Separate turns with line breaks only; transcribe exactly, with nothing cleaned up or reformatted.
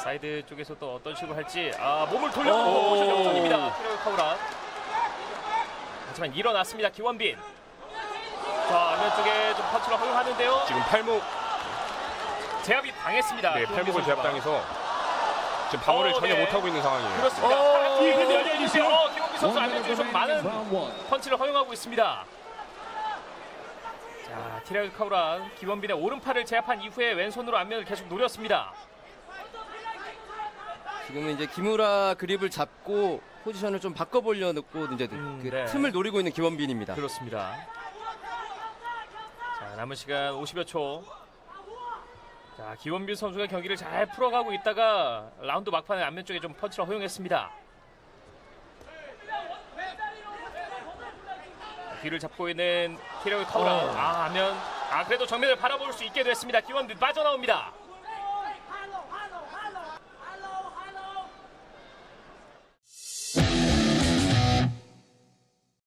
사이드 쪽에서 또 어떤 식으로 할지. 아, 몸을 돌려주고 모션 역전입니다. 티라노 카우란. 하지만 일어났습니다. 기원빈. 자, 안면 쪽에 좀 펀치를 허용하는데요.
지금 팔목
제압이 당했습니다.
네, 팔목을 제압당해서 지금 방어를
어,
전혀
네.
못하고 있는 상황이에요.
그렇습니다.
어,
어,
이거
기원빈 선수 안면 쪽에서 많은 펀치를 허용하고 있습니다. 자, 티라노 카우란 기원빈의 오른팔을 제압한 이후에 왼손으로 안면을 계속 노렸습니다.
지금은 이제 기무라 그립을 잡고 포지션을 좀 바꿔보려고 이제
음,
그
네.
틈을 노리고 있는 기원빈입니다.
그렇습니다. 자, 남은 시간 오십여 초. 자, 기원빈 선수가 경기를 잘 풀어가고 있다가 라운드 막판에 안면 쪽에 좀 펀치를 허용했습니다. 뒤를 잡고 있는 티라노 카우란.
어.
아, 하면 아 그래도 정면을 바라볼 수 있게 됐습니다. 기원빈 빠져나옵니다.